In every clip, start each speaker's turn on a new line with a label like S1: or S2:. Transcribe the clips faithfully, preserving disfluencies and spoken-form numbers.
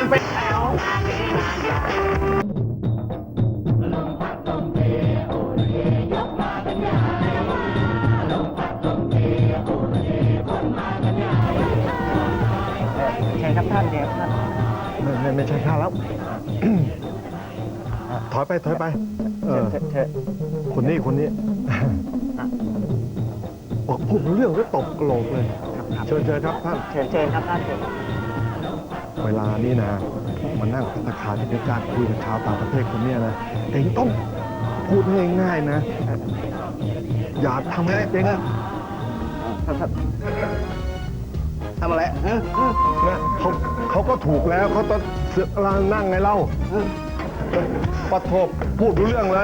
S1: เป็นแถว
S2: ใช่ครับท่านเดียวท่าน
S3: ไม่ไม่ไม่ใช่ข้าแล้ว ถอยไปถอยไป เออ
S2: เชิญเชิญ
S3: คนนี้คนนี้บอกพูดเรื่องก็ตบโกรกเลย เชิญเชิญครับท่าน
S2: เชิญเชิญครับท่านเชิญ
S3: เวลานี้นะมานั่งพัตตาคารที่การคุยกับชาวต่างประเทศคนเนี้ยนะเองต้องพูดง่ายๆนะ อย่าทำอะไรเองนะ
S1: ทำอะไรเออ
S3: นะเขาเขาก็ถูกแล้วเขาต้องเสือกลางนั่งไงเล่าปะโทบพูดรู้เรื่องเลย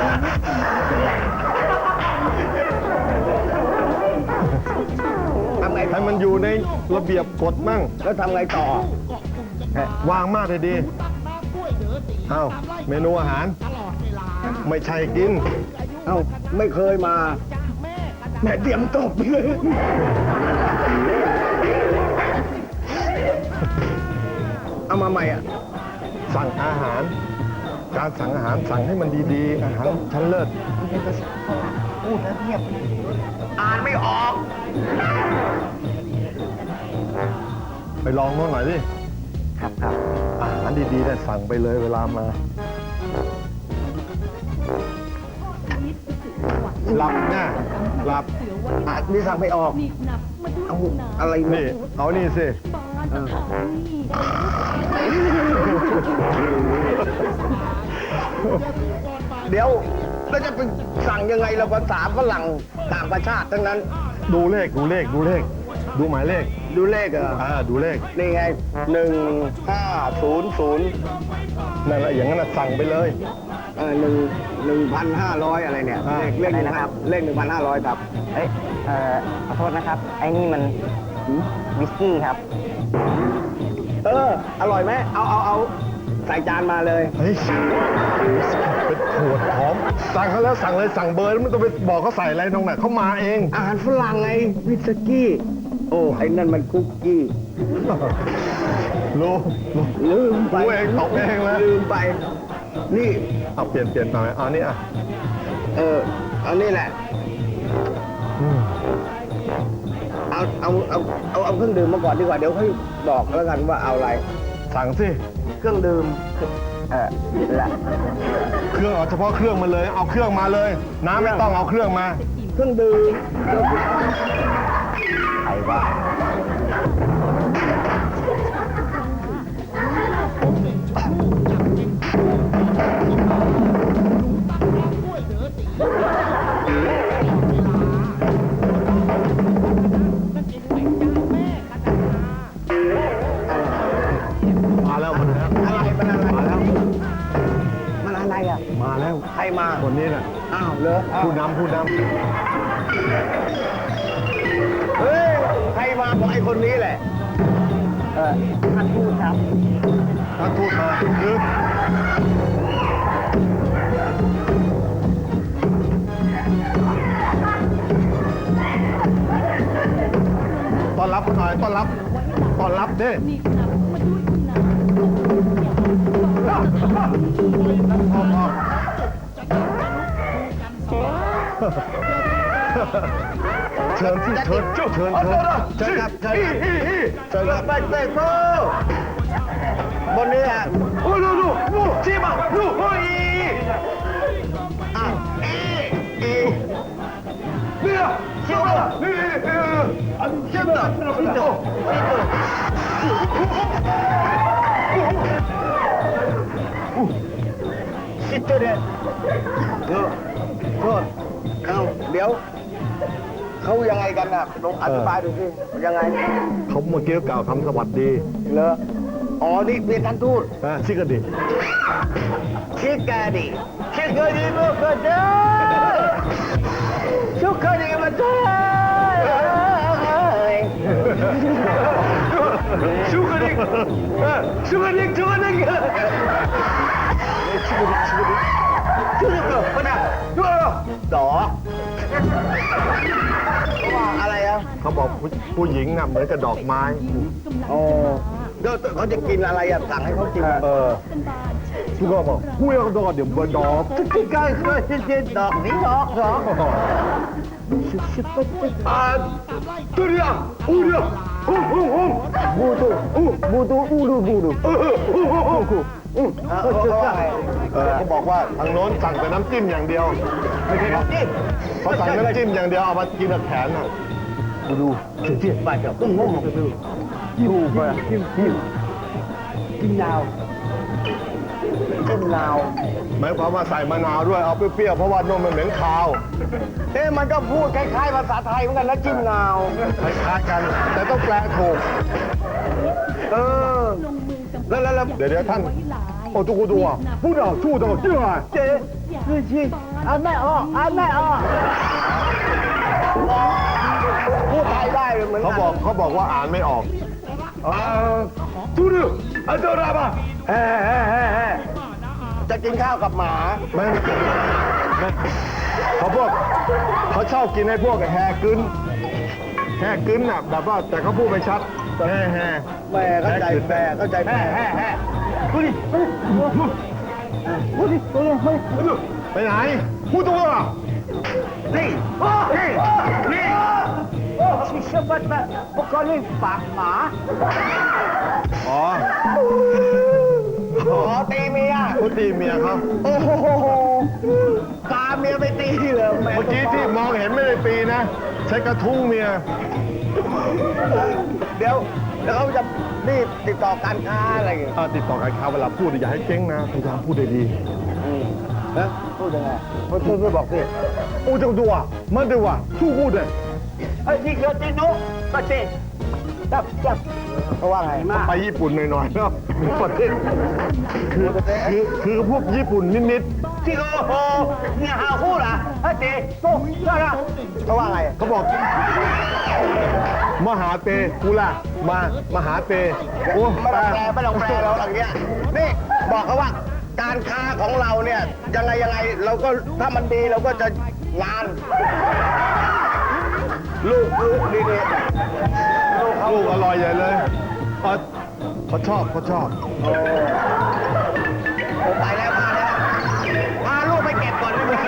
S1: ทำไง
S3: ให้มันอยู่ในระเบียบกฎมั่ง
S1: แล้วทำไงต่อ
S3: วางมาเลยดีเอ้าเมนูอาหาร ไม่ใช่กิน
S1: เอ้าไม่เคยมาแม่เตรียมตบเลยเอามาใหม่อ่ะ
S3: สั่งอาหาร การสั่งอาหารสั่งให้มันดีๆ อาหารชั้นเลิศ
S2: พูดแล้วเงียบ
S1: อ่านไม่ออก
S3: ไปลองมาหน่อยดิ
S2: ครับครับ
S3: อาหารดีๆเนี่ยสั่งไปเลยเวลามาหลับนะหลับ
S1: อ่านนี่สั่งไม่ออก เอาอะไร
S3: นี่ เอานี่สิ
S1: เดี๋ยวแล้วจะไปสั่งยังไงเราภาษาฝรั่งต่างประชาติทั้งนั้น
S3: ดูเลขดูเลขดูเลข ดูหมายเลข
S1: ดูเลขเหรอ
S3: อ่าดูเลข
S1: นี่ไงหนึ่งห้าศูนย์ศูนย์
S3: นั่นแหละอย่างนั้นนะสั่งไปเลย
S1: เออหนึ่งหนึ่งพันห้าร้อยอะไรเนี่ย
S3: อ่า
S1: เลขเลขหนึ่งนะครับเลขหนึ่งพันห้าร้อยครับ
S2: เอ้ยเอ่อขอโทษนะครับ ไอ้นี่มันวิสกี้ครับ
S1: เออ อร่อยไหมเอาเอาเอาใส่จานมาเลย
S3: เฮ้ยเป็นขวดหอมสั่งเขาแล้วสั่งเลยสั่งเบอร์แล้วไม่ต้องไปบอกเขาใส่อะไรตรงไหนเขามาเอง
S1: อาหารฝรั่งไงวิสกี้ โอ้ไอ้นั่นมันคุกกี้
S3: รู้รู้
S1: ลืมไป
S3: รู้เองตอบเองแล้ว
S1: ลืมไป นี่
S3: เอาเปลี่ยนเปลี่ยนหน่อยเอานี่อ่ะ
S1: เออเอานี่แหละ
S3: อืม
S1: เอาเอาเอาเอาเอาเครื่องดื่มมาก่อนดีกว่าเดี๋ยวค่อยบอกแล้วกันว่าเอาอะไร
S3: สั่งสิ
S1: เครื่องดื่ม
S2: เออละ
S3: เครื่องเอาเฉพาะเครื่องมาเลย เอาเครื่องมาเลย น้ำไม่ต้องเอาเครื่องมา
S1: เครื่องดื่ม
S2: ใครว่า
S3: มาแล้วมาแล้ว
S1: อะไรมันอะไร
S3: มาแล้ว
S1: มันอะไรอ่ะ
S3: มาแล้ว
S1: ใครมา
S3: คนนี้น่ะ
S1: อ้าวเหรออ้าว
S3: ผู้นำผู้น
S1: เฮ้ยใครมาบอกไอ้คนนี้แหละ
S2: เออท่านพูดครับ
S3: ำท่านทูตมาคือต้อนรับหน่อยต้อนรับต้อนรับดิเชิญที่เชิญเชิญเชิญเชิญเชิญครับเชิญครับเชิญครับ
S1: ไปเตะโซ่บนนี้อ่ะโอ้ดูดูดูชิมาดูโอ้ยอ่ะเอเอเนี่ยชิมานี่เอออันเจ็บนะนี่โตชิโตเดเออโทษเอาเดี๋ยวเขายังไงกันน่ะลองอธิบายดูสิยังไง
S3: เขาเมื่อกี้กล่าวคำสวัสดี
S1: เหรออ๋อ นี่เป็นท่านทูต
S3: นะชิกดิ
S1: ชิคกาดีชิคกาดีมาเกิดเด้อชิคกาดีมาเกิดชิคกาดีชิคกาดีชิคกาดีชิคกาดีชิคกาดีชิคกาดีมาน่ะดูดออะไรอ่ะ
S3: เขาบอกผู้ผู้หญิงน่ะเหมือนกับดอกไม้
S1: โอ้เดี๋ยวเขาจะกินอะไรอ่ะสั่งให้เขากิน
S3: เออทุกคนบอกผู้ยังดอเดี๋ยวบดอก
S1: กินก็ก็เช่นดอกนี้ดอกดอกอ่าตัวเดียวอูเดียวอูอูอูบูตูอูบูตูอูดูบูดูอูอูอูอูอูเขาบอกว่าทางโน้นสั่งแต่น้ำจิ้มอย่างเดียวไม่ใช่น้ำจิ้มเขาสั่งน้ำจิ้มอย่างเดียวเอามากินกับแขนอ่ะดูดูเจี๊ยบไปเดี๋ยวต้องงงดูยูไปจิ้มจิ้มจิ้มยาวจิ้มลาวหมายความว่าใส่มะนาวด้วยเอาเปรี้ยวๆเพราะว่านมมันเหม็นคาวเอ๊ะมันก็พูดคล้ายๆภาษาไทยเหมือนกันนะจิ้มลาวคล้ายๆกันแต่ต้องแปลถูกเออแล้วแล้วเดี๋ยวเดี๋ยวท่านโอ้ทุกคนดูอ่ะพูดอ่ะชูดอ่ะชื่ออะไรเจ๊คือชีอ่านไม่ออกอ่านไม่ออกพูดไทยได้เหมือนกันเขาบอกเขาบอกว่าอ่านไม่ออกอ่าทูดูอันเดอร์ราบะเฮ้เฮ้เฮ้เฮ้จะกินข้าวกับหมาไม่ไม่เขาพวกเขาชอบกินให้พวกแฮกึนแฮกึนน่ะแบบว่าแต่เขาพูดไม่ชัดแฮแฮแม่เข้าใจแม่เข้าใจแม่แฮแฮดูดิดูดิดูดิไปไหนพูดตัวนี่นี่นี่ชิชบัตต์พวกเขาเรียกปากหมาอ๋ออ๋อตีเมียเขาตีเมียเขาโอ้โหตาเมียไปตีเลยเมื่อกี้ที่มองเห็นไม่ได้ปีนะใช้กระทุ้งเมียเดี๋ยวแล้วเขาจะรีบติดต่อการค้าอะไรอย่างเงี้ยติดต่อการค้าเวลาพูดอย่าให้เจ๊งนะพยายามพูดดีๆนะพูดยังไงพูดพูดบอกสิโอ้จังตัวมันเดี๋ยวว่าสู้พูดเลยไอ้ที่เยอะจริงนุ๊กก็จริงจับจับเขาว่าไงไปญี่ปุ่นหน่อยๆเนาะประเทศคือคือคือพวกญี่ปุ่นนิดๆที่โอ้โหเนี่ยหาคู่ล่ะไอ้เจ๊ตุ๊กใช่ละเขาว่าไงเขาบอกมหาเตกูล่ะมามหาเตโอ้ไม่ต้องแปลไม่ต้องแปลเราอย่างเงี้ยนี่บอกเขาว่าการค้าของเราเนี่ยยังไงยังไงเราก็ถ้ามันดีเราก็จะงานลูกลูกดีดีลูกลูกอร่อยใหญ่เลยเขาเขาชอบเขาชอบโอ้ไปแล้วมาแล้วพาลูกไปเก็บก่อนได้ไหม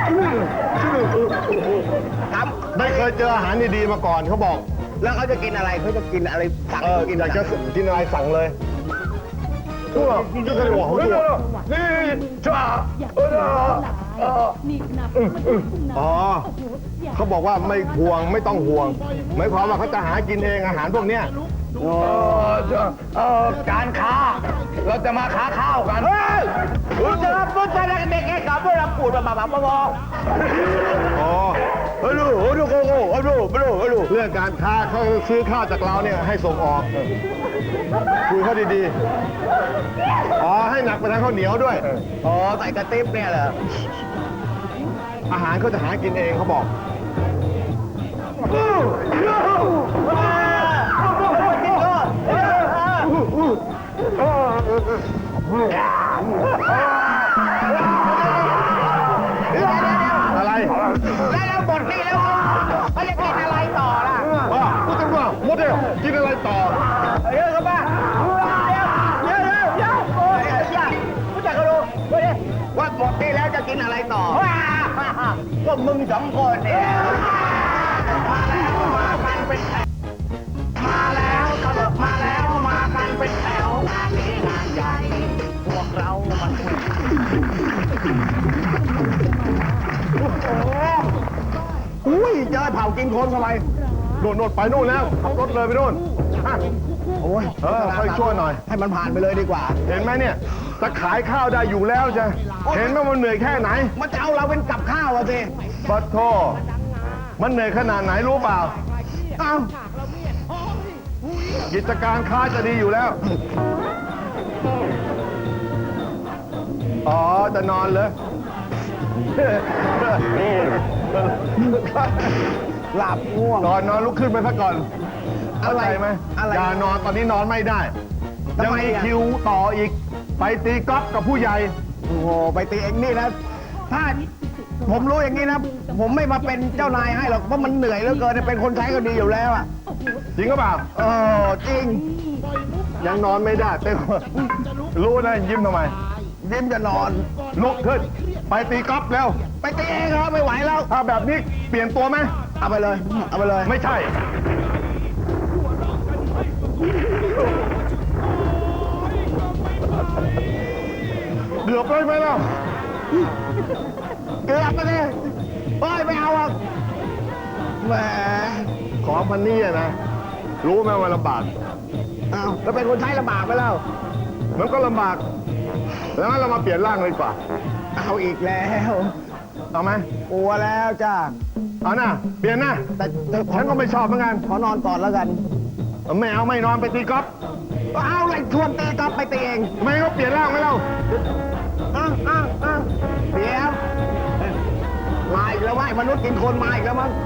S1: ทำไม่เคยเจออาหารดีๆมาก่อนเขาบอกแล้วเขาจะกินอะไรเขาจะกินอะไรสั่งกินอยากจะกินอะไรสั่งเลยตัวนี่ก็เลยบอกเขาตัวนี่จ้าเอออ๋อเขาบอกว่าไม่ห่วงไม่ต้องห่วงหมายความว่าเขาจะหากินเองอาหารพวกเนี้ยเออการค้าเราจะมาค้าข้าวกันเฮ้ยรู้จักรู้จักเด็กแก่กับเราปูดมาแบบมาบอกอ๋อฮัลโหลฮัลโหลฮัลโหลฮัลโหลฮัลโหลเรื่องการค้าเขาซื้อข้าวจากเราเนี่ยให้ส่งออกคุยเขาดีๆอ๋อให้หนักไปทางข้าวเหนียวด้วยอ๋อใส่กระติบเนี่ยเหรออาหารเขาจะหากินเองเขาบอกอะไรได้แล้วหมดนี่แล้วเขาจะกินอะไรต่อล่ะว่าพูดถึงว่าหมดเดียวกินอะไรต่อเยอะครับป้าเยอะเยอะเยอะโอ้ยยากรู้จักกันดูว่าหมดนี่แล้วจะกินอะไรต่อก็มึงสองคนเนี่ยมาแล้วมากันเป็นแถวมาแล้วตลกมาแล้วมากันเป็นแถวงานนี้งานใหญ่พวกเรามันอุ้ยเจอเผากินคนทำไมโน่นโน่นไปโน่นแล้วขับรถเลยไปโน่นโอ้ยเออค่อยช่วยหน่อยให้มันผ่านไปเลยดีกว่าเห็นไหมเนี่ยจะขายข้าวได้อยู่แล้วจ้ะเห็นไหมมันเหนื่อยแค่ไหนมันจะเอาเราเป็นกับข้าวอะสิปัดโทมันเหนื่อยขนาดไหนรู้เปล่าเอ้ากิจการค้าจะดีอยู่แล้วอ๋อจะนอนเลยหลับง่วงนอนนอนลุกขึ้นไปซะก่อนอะไรไหมอย่านอนตอนนี้นอนไม่ได้ยังมีคิวต่ออีกไปตีกอล์ฟกับผู้ใหญ่โอ้โหไปตีเองนี่นะถ้าผมรู้อย่างนี้นะ ผมไม่มาเป็นเจ้านายให้หรอก เพราะมันเหนื่อยเหลือเกิน เป็นคนใช้ก็ดีอยู่แล้วอ่ะ
S3: จริงก็เปล่า
S1: เออจริง
S3: ยังนอนไม่ได้เต้นรู้นะยิ้มทำไม
S1: ยิ้มจะนอน
S3: ลุกขึ้น ไปตีกอล์ฟเร็ว
S1: ไปตีเองครับไม่ไหวแล้ว
S3: ถ้าแบบนี้เปลี่ยนตัวไหม
S1: เอาไปเลย เอาไปเลย
S3: ไม่ใช่ เกือบเลยไหมล่ะ
S1: เกือบไปเลยเฮ้ยไม่เอาอ่ะแหม
S3: ของพันนี่อะนะ รู้ไหมว่าลำบาก
S1: เอาแล้วเป็นคนใช้ลำบากไปแล้ว
S3: มันก็ลำบาก แล้วงั้นเรามาเปลี่ยนร่างเลยดีกว่า
S1: เอาอีกแล้ว
S3: เอาไหม
S1: กลัวแล้วจ้า
S3: เอานะเปลี่ยนนะ
S1: แต่แต่ขอ
S3: ฉันก็ไม่ชอบเหมือนกัน
S1: ขอนอนก่อนแล้วกัน
S3: ไม่เอาไม่นอนไปตีกอล์ฟ
S1: เอาเลยชวนตีกอล์ฟไปตีเอง
S3: ทำไมก็เปลี่ยนร่างไหมเล่า
S1: อ้าวอ้าวอ้าวเดี๋ยวเอ้ยมาอีกแล้ววะไอ้มนุษย์กินคนมาอีกแล้วมั้ง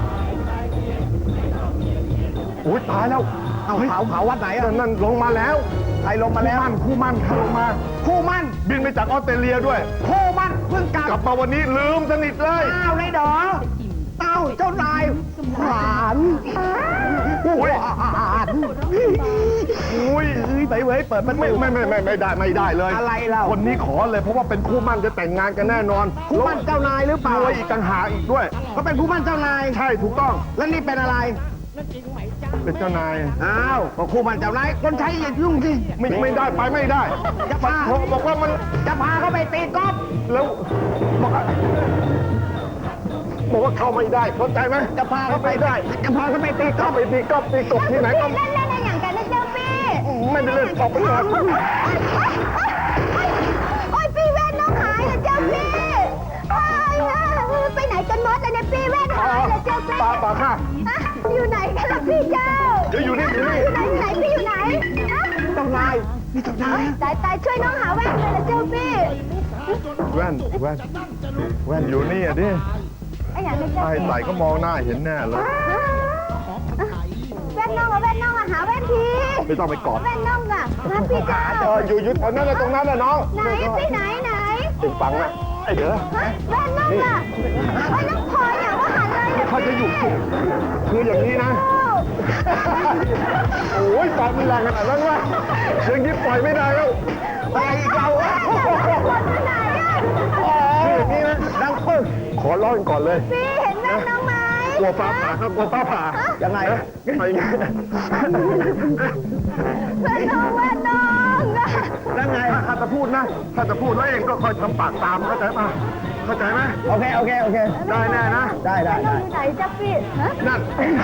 S3: โอ้ยตายแล้ว
S1: เอาเผาเผาวัดไหนอ่ะ
S3: นั่นนั่นลงมาแล้ว
S1: ใครลงมาแล้ว
S3: คู่มั่นคู่มั่นเขาลงมา
S1: คู่มั่น
S3: บินไปจากออสเตรเลียด้วย
S1: คู่มั่นเพิ่งกลับ
S3: กลับมาวันนี้ลืมสนิทเลย
S1: อ้าวเลยดอเต้าเจ้านายหวาน
S3: โอ้ย
S1: หวาน
S3: อุ้ย
S1: เอ้ยไปเว้ยเปิดมัน
S3: ไม่ไม่ไม่ไม่ไม่ได้ไม่ได้เลย
S1: อะไรเล่า
S3: คนนี้ขอเลยเพราะว่าเป็นคู่มั่นจะแต่งงานกันแน่นอน
S1: คู่มั่นเจ้านายหรือเปล่าร
S3: วยอีกต่างหากอีกด้วย
S1: เขาเป็นคู่มั่นเจ้านาย
S3: ใช่ถูกต้อง
S1: แล้วนี่เป็นอะไร
S3: เป็นเจ้านาย
S1: อ้าวก็คู่มั่นเจ้านายคนใช้อย่ายุ่งสิ
S3: ไม่ไม่ได้ไปไม่ได้
S1: จะพา
S3: เขาบอกว่ามัน
S1: จะพาเขาไปตีกอล์ฟ
S3: แล้วบอกว่าบอกว่าเข้าไม่ได้เข้าใจไหม
S1: จะพาเขาไป
S3: ไม่ได้
S1: จะพาเขาไปตีกอ
S3: ก็
S1: ล์ฟ
S3: ไปตีกอล์ฟตีกบที่ไหนก็
S4: เล่นเล่นอะไรอย่างกันนะเจ้าพี่
S3: ไม่ได้เล่นออกไปก่อน
S4: โอ้ยพี่แว่นน้องหายแล้วเจ้าพี่โอ้ยไปไหนกันหมดเลยเนี่ยพี่แว่นหายแล้วเจ้าพี่
S3: ปลาปลาค่ะ
S4: ฮะอยู่ไหนกันล่ะพี่เจ้า
S3: เดี๋ยวอยู่นี่อยู่นี่
S4: อยู่ไหนอยู่ไหนพี่อยู่ไหนฮะ
S1: เจ้านายนี่เจ้านาย
S4: ตายตายช่วยน้องหาแว่นเลยนะเจ้าพี่
S3: แว่นแว่นแว่นอยู่นี่อ่ะดิ
S4: ไอ้อย่างนี้เจ้า
S3: ไอ้
S4: พี่
S3: ใส่ก็มองหน้าเห็นแน่เลย
S4: แว่นน้องอะแว่นน้องอะหาแว่นที
S3: ไม่ต้องไปกอด
S4: แว่นน้องอะฮะพี่เจ้า
S3: เอออยู่อยู่แถวนั้นนะตรงนั้นนะน้อง
S4: ไหนพี่ไหนไหน
S3: ติดฟังนะไอ้เด้อ
S4: ฮะแว่นน้องอะไอ้น้องพลอยอะว่าหันเลยนะ
S3: เขาจะอยู่คืออย่างนี้นะ โอ้ยปากมีแรงขนาดนั้นวะอย่างนี้ปล่อยไม่ได้แล้ว
S1: ไปอีกเราอะ
S4: คนไหนอะ
S3: คืออย่างนี้นะดังปึ้งขอร้องก่อนเลย
S4: พี่เห็นแว่นน้องไหม
S3: กลัวฟ้าผ่าครับกลัวฟ้าผ่า
S1: ยังไง
S3: ไปไง
S4: แว่นน้องแว่นน้องอะ
S1: แล้วไง
S3: ถ้าจะพูดนะ ถ้าจะพูดแล้วเองก็คอยทำปากตามเข้าใจป่ะเข้าใจไหม
S1: โอเคโอเคโอเค
S3: ได้แน่นะ
S1: ได้ได้
S4: น้อ
S1: ได้
S4: งอยู่ไหนจ๊ะพี่ฮะ
S3: นั่น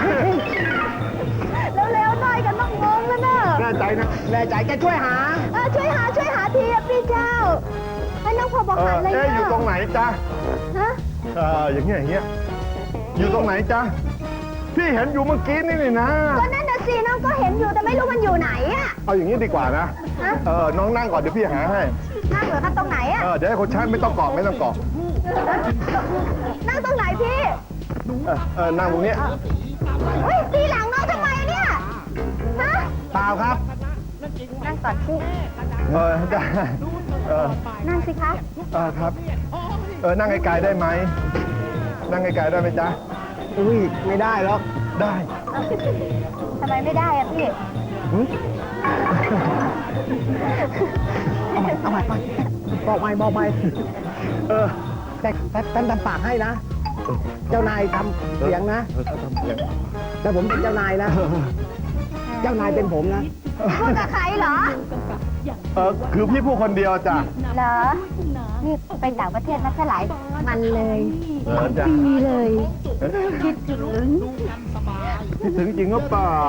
S4: เร็วๆหน่อยกันต้องงงแล้วเนอะ
S3: แน่ใจนะ
S1: แน่ใจแกช่วยหา
S4: เออช่วยหาช่วยหาทีอะพี่เจ้า ให้น้องพอบอก
S3: เอ
S4: หั
S3: อน
S4: เลย
S3: เอ๊ะ
S4: เน
S3: อยู่ตรงไหนจ๊ะ
S4: ฮะ
S3: เอออย่างเงี้ยอย่างเงี้ยอยู่ตรงไหนจ๊ะพี่เห็นอยู่เมื่อกี้นี่นี่นะ
S4: ก็นั่นน่ะสิน้องก็เห็นอยู่แต่ไม่รู้มันอยู่ไหนอะ
S3: เอาอย่างนี้ดีกว่านะ
S4: ฮะ
S3: เออน้องนั่งก่อนเดี๋ยวพี่หาให้
S4: นั่งเหรอคะตรงไหนอะ
S3: เออเดี๋ยวให้คนใช้ไม่ต้องเกาะไม่ต้องเกาะ
S4: นั่งตรงไหนพี่
S3: เออเออนั่งตรงเนี้ย
S4: เฮ้ยตีหลังน้องทำไมเนี่ยฮะ
S1: เปล่าครับ
S4: นั่งก่อนพี่
S3: เออได้เออ
S4: นั่งสิคะ
S3: เออครับ เออนั่งไกลๆได้ไหมนั่งไกลๆได้ไหมจ๊ะ
S1: อุ้ยไม่ได้หรอก
S3: ได้
S4: ทำไมไม่ได้อะพี่
S1: หึเอาใหม่เอาใหม่ไปบอกใหม่บอกใหม่เออแต่แต่แต่ทำปากให้นะ เจ้านายทำเสียงนะ
S3: เออทำเสียง
S1: แต่ผมเป็นเจ้านายนะ เจ้านายเป็นผมนะ
S4: พูดกับใครเหรอ
S3: เออคือพี่พูดคนเดียวจ้ะ
S4: เหรอ นี่ไปต่างประเทศมาเท่าไหร่มันเลย
S3: เออจ้ะ
S4: ปีเลย
S3: คิดถึงคิดถึงจริงหรือเปล่า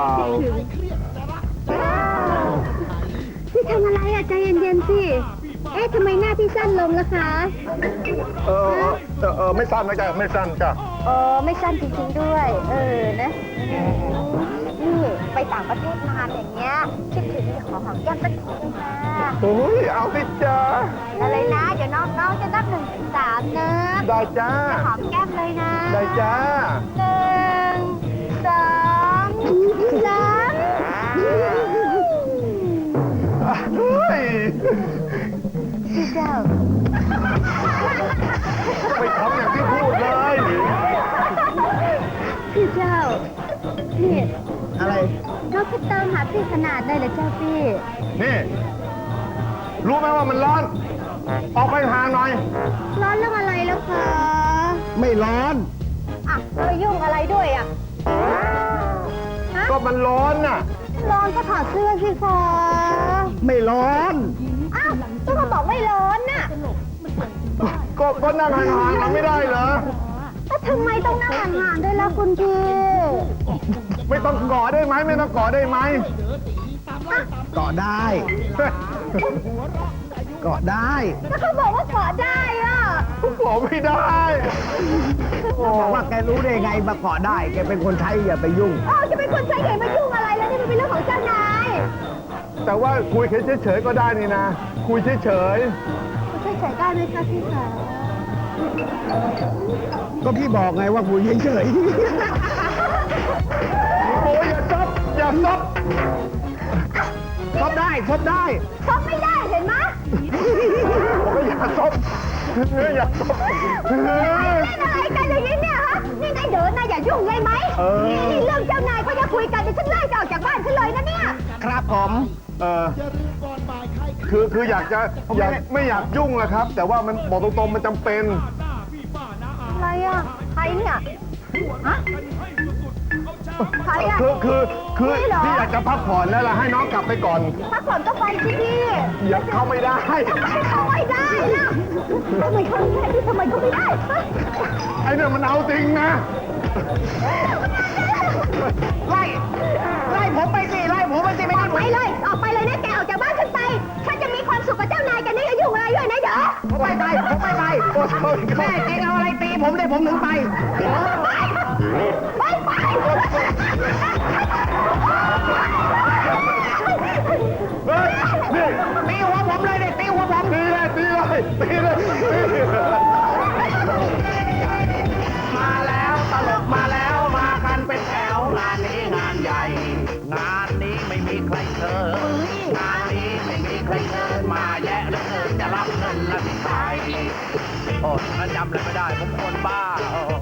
S4: พี่ทำอะไรอะใจเย็นๆสิ เอ๊ะทำไมหน้าพี่สั้นลงล่ะคะ
S3: เออเออเออเออไม่สั้นนะจ๊ะไม่สั้นจ้ะ
S4: เออไม่สั้นจริงๆด้วย เออนะนี่ไปต่างประเทศนานอย่างเงี้ย คิดถึงขอหอมแก้มสักทีได้ไหม
S3: โอ้ยเอาสิจ้า
S4: อะไรนะ เดี๋ยวน้องๆจะนับหนึ่งถึงสามนะ
S3: ได้จ้า
S4: จะหอมแก้มเลยนะ
S3: ได้จ้า
S4: หนึ่งสองสาม
S3: เฮ้ย
S4: พี่เจ้าจะตามหาพี่ขนาดได้เลยเจ้าพี่
S3: นี่ รู้ไหมว่ามันร้อน ออกไปห่างหน่อย
S4: ร้อนเรื่องอะไรแล้วคะ
S3: ไม่ร้อน
S4: อ่ะแล้วไปยุ่งอะไรด้วยอ่ะฮะ
S3: ก็มันร้อนน่ะ
S4: ร้อนก็ถอดเสื้อสิคะ
S3: ไม่ร้อน
S4: อ้าวก็เขาบอกไม่ร้อนน่ะ
S3: ก็ก็นั่งห่างๆกันไม่ได้เหรอ
S4: แล้วทำไมต้องนั่งห่างๆด้วยล่ะคุณพี่
S3: ไม่ต้องกอดได้ไหมไม่ต้องกอดได้ไหม
S1: เกาะได้ เกาะได้
S4: แล้วเขาบอกว่าเกาะได้อ่ะ
S3: กอดไม่ได้
S1: บอกว่าแกรู้ได้ไงมาเกาะได้ แกเป็นคนใช้อย่าไปยุ่ง
S4: เออจะเป็นคนใช้เหตุมายุ่งอะไรแล้วนี่มันเป็นเรื่องของเจ้านาย
S3: แต่ว่าคุยเฉยๆก็ได้นี่นะ คุยเฉย
S4: คุณช่วยเฉยได้ไหมคะพี่คะ
S1: ก็พี่บอกไงว่าคุยเฉย
S3: ๆโอ้ยอย่าซบอย่าซบ
S1: ๆซบได้ซบได้
S4: ชอบไม่ได้เห็นไหม
S3: ผมก็อย่าซบเฮ้ยอย่าซบเฮ้ย
S4: เล่นอะไรกันอย่างนี้เนี่ยฮะ นี่นายเดินนายอย่ายุ่งเลยไหม
S3: เออ
S4: นี่เรื่องเจ้านายเขาจะคุยกันเดี๋ยวฉันไล่จะออกจากบ้านฉันเลยนะเนี่ย
S1: ครับผม
S3: เออคือคืออยากจะอยากไม่อยากยุ่งนะครับ แต่ว่ามันบอกตรงๆมันจำเป็น
S4: อะไรอ่ะ ใครเนี่ย ฮะ ใครอ่ะ
S3: คือคือคือ
S4: นี่เหรอ
S3: พี่อยากจะพักผ่อนแล้วล่ะให้น้องกลับไปก่อน
S4: พักผ่อนก็ไปสิพี่
S3: อย่าเข้าไม่ได้
S4: ทำไมเขาไม่ได้ล่ะทำไมเขาไม่ได้ทำไมเขาไม่ได้ฮะ
S3: ไอ้เนี่ยมันเอาจริงนะ
S1: ไล่ ไล่ผมไปสิ ไล่ผมไปสิไม่
S4: อ
S1: ได้
S4: อก
S1: ผ
S4: ไป
S1: ม
S4: เลย ออกไปเลยนะแกออกจากบ้านฉันไป ฉันจะมีความสุขกับเจ้านายกันนี่อย่ายุ่งอะไรด้วยนะเดี๋ยว
S1: ผมไม่ไปผมไม่ไปแม่จริงเอาอะไรตีผมได้ผมถึงไป
S4: ไปไป
S3: เฮ้ยนี่
S1: ตีหัวผมเลยเนี่ยตีหัวผม
S3: ตีเลยตีเลยตีเลยตีเลย
S1: มาแล้วตลกมาแล้วมากันเป็นแถวงานนี้งานใหญ่ งานนี้ไม่มีใครเชิญงานนี้ไม่มีใครเชิญมาแยะเหลยจะรับเงินละสิใครโอ้ฉันจำอะไรไม่ได้ผมคนบ้าโอ้